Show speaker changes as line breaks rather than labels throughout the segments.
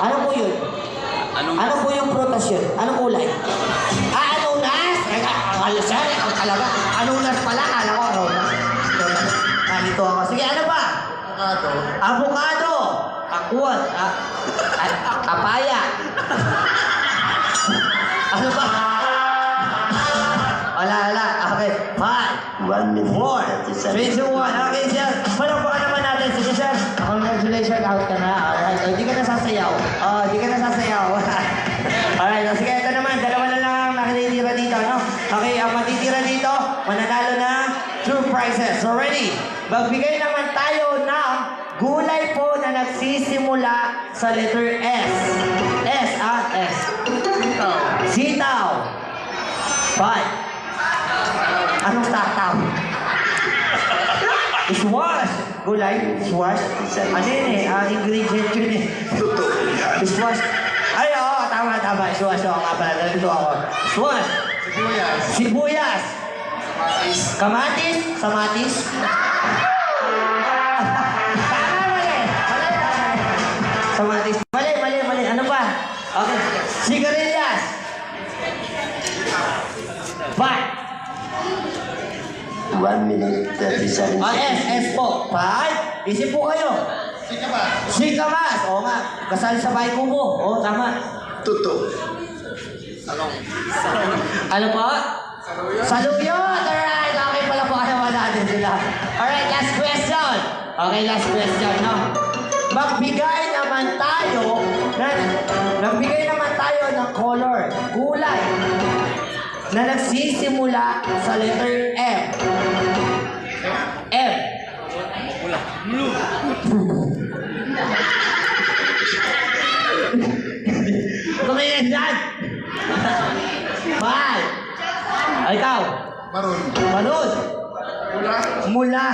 Ano po yun? Ano po yung prutas yun? Anong kulay? Anunas! Sir, talaga. Anunas pala. Kala ko, anunas. Nalito ako. Sige, ano ba? Avocado. Akwat. Papaya. Ano ba? Wala. Okay. 5,
1 minute.
4, 3, 2, 1. Okay, sir. Palakpakan naman natin. Sige, sir. Congratulations. Out ka na. Alright. Hindi ka nasasayaw. Hindi ka nasasayaw. Alright. Sige, ito naman. Dalawa na lang ang nakititira dito, no? Okay, ang matitira dito, mananalo na 2 prizes. So, ready? Magbigay naman tayo ng gulay po na nagsisimula sa letter S. S. Sitaw. 5. Anong tataw? Squash. Gulay. Squash. Ano yun eh? Ingredient yun eh. Squash. Ay, oo. Tama. Squash. Oo nga pala. Nalito ako. Squash. Sibuyas. Kamatis. Samatis. Tama, mali. Samatis. Mali. Ano pa? Okay. Sigarilyas. 5.
1 minute 37 seconds.
S po. 5. Isip po kayo. Sikamas. Oo nga. Kasal sa bahay ko po. Oo, tama.
Tuto.
Ano po? Saluyot. Alright. Okay pala po. Ano natin sila. Alright, last question. Okay, last question, no? Magbigay naman tayo ng color. Kulay. Na nagsisimula sa letter M. M. Blue. Tumingin dyan! 5. Ay, ikaw? Maroon. Mula.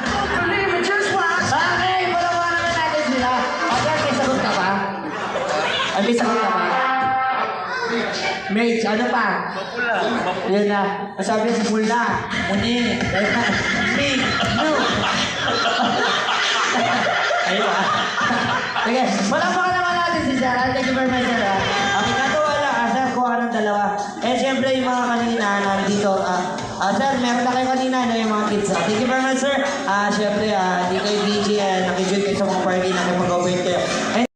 Okay, palawa naman natin sila. Agad, may sagot ka pa? May sagot ka pa? Mage, ano pa? Yan na. Masabi si Mula. Muni. Big. Blue. Ayun ah. Sige, palakpakan naman natin si Sir. Thank you very much, Sir. Okay, katuwa lang. Sir, kuha ka ng dalawa. Eh, siyempre, yung mga kanina nandito. Sir, meron na kayo kanina na yung mga kids. Thank you very much, Sir. Siyempre, di kayo DJ. Nakijud kayo sa mga party. Nakipag-operate kayo.